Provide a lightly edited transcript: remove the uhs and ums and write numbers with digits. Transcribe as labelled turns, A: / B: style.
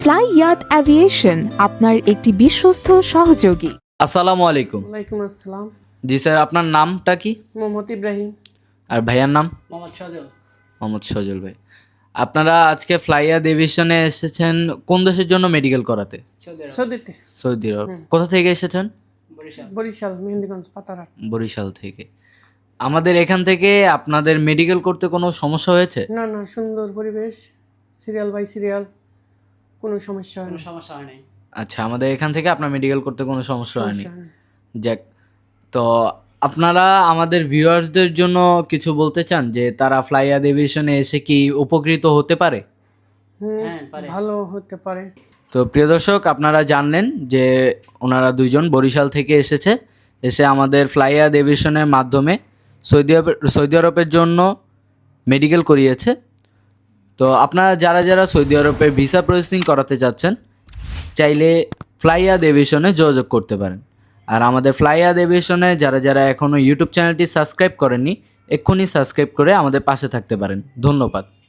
A: ফ্লাইয়াত aviation আপনার একটি বিশ্বস্ত সহযোগী।
B: আসসালামু আলাইকুম।
C: ওয়ালাইকুম আসসালাম।
B: জি স্যার, আপনার নামটা কি?
C: মোহাম্মদ ইব্রাহিম।
B: আর ভাইয়ার নাম?
D: মোহাম্মদ সজল।
B: মোহাম্মদ সজল ভাই। আপনারা আজকে ফ্লাইয়াত এভিয়েশনে এসেছেন কোন দেশের জন্য মেডিকেল করাতে?
C: সৌদিতে।
B: Saudi Arab. কোথা থেকে এসেছেন?
D: বরিশাল।
C: বরিশাল, মেহেন্দিগঞ্জ, পাতারহাট।
B: বরিশাল থেকে। আমাদের এখান থেকে আপনাদের মেডিকেল করতে কোনো সমস্যা হয়েছে?
C: না না, সুন্দর পরিবেশ, সিরিয়াল বাই সিরিয়াল, কোনো সমস্যা হয়
D: কোনো
C: না।
D: সমস্যা হয় নাই।
B: আচ্ছা, আমাদের এখান থেকে আপনার মেডিকেল করতে কোনো সমস্যা হয়নি।
C: সমস্যা হয় না।
B: যাক, তো আপনারা আমাদের ভিউয়ার্সদের জন্য কিছু বলতে চান যে তারা ফ্লাইয়াত এভিয়েশনে এসে কি উপকৃত হতে পারে?
D: হ্যাঁ, পারে।
C: ভালো হতে পারে।
B: তো প্রিয় দর্শক, আপনারা জানলেন যে ওনারা দুইজন বরিশাল থেকে এসে আমাদের ফ্লাইয়াত এভিয়েশনের মাধ্যমে সৌদি আরবের জন্য মেডিকেল করিয়েছে। তো আপনারা যারা যারা সৌদি আরবে ভিসা প্রসেসিং করাতে চাচ্ছেন, চাইলে ফ্লাইয়াত এভিয়েশনে যোগাযোগ করতে পারেন। আর আমাদের ফ্লাইয়াত এভিয়েশনে যারা যারা এখনও ইউটিউব চ্যানেলটি সাবস্ক্রাইব করেননি, এক্ষুনি সাবস্ক্রাইব করে আমাদের পাশে থাকতে পারেন। ধন্যবাদ।